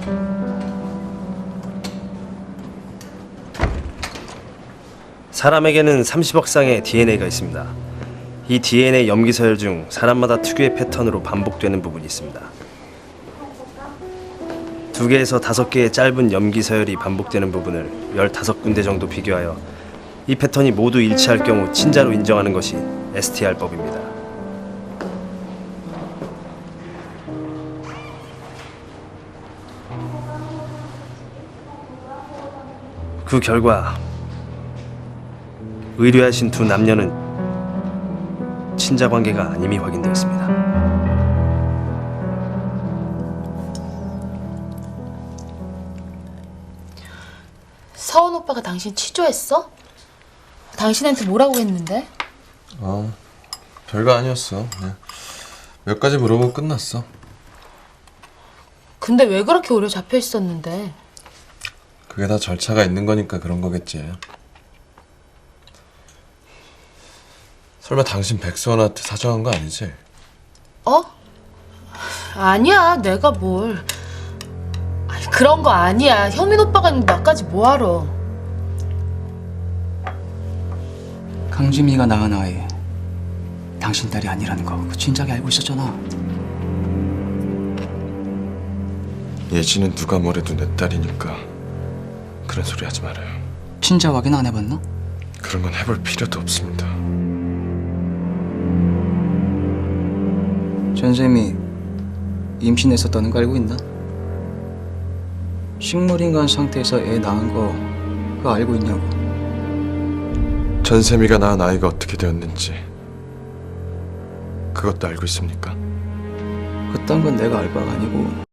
사람에게는 30억 쌍의 DNA가 있습니다. 이 DNA 염기서열 중 사람마다 특유의 패턴으로 반복되는 부분이 있습니다. 2개에서 5개의 짧은 염기서열이 반복되는 부분을 15군데 정도 비교하여 이 패턴이 모두 일치할 경우 친자로 인정하는 것이 STR법입니다. 그 결과 의뢰하신 2 남녀는 친자 관계가 아님이 확인되었습니다. 서원 오빠가 당신 취조했어? 당신한테 뭐라고 했는데? 별거 아니었어. 그냥 몇 가지 물어보고 끝났어. 근데 왜 그렇게 오래 잡혀 있었는데? 그게 다 절차가 있는 거니까 그런 거겠지. 설마 당신 백수원한테 사정한 거 아니지? 어? 아니야, 내가 뭘. 아니, 그런 거 아니야. 현민 오빠가 있는데 나까지 뭐하러. 강지미가 낳은 아이 당신 딸이 아니라는 거 그 진작에 알고 있었잖아. 예지는 누가 뭐래도 내 딸이니까 그런 소리 하지 말아요. 친자 확인 안 해봤나? 그런 건 해볼 필요도 없습니다. 전쌤이 임신했었다는 거 알고 있나? 식물인간 상태에서 애 낳은 거 그거 알고 있냐고. 전세미가 낳은 아이가 어떻게 되었는지 그것도 알고 있습니까? 그딴 건 내가 알 바가 아니고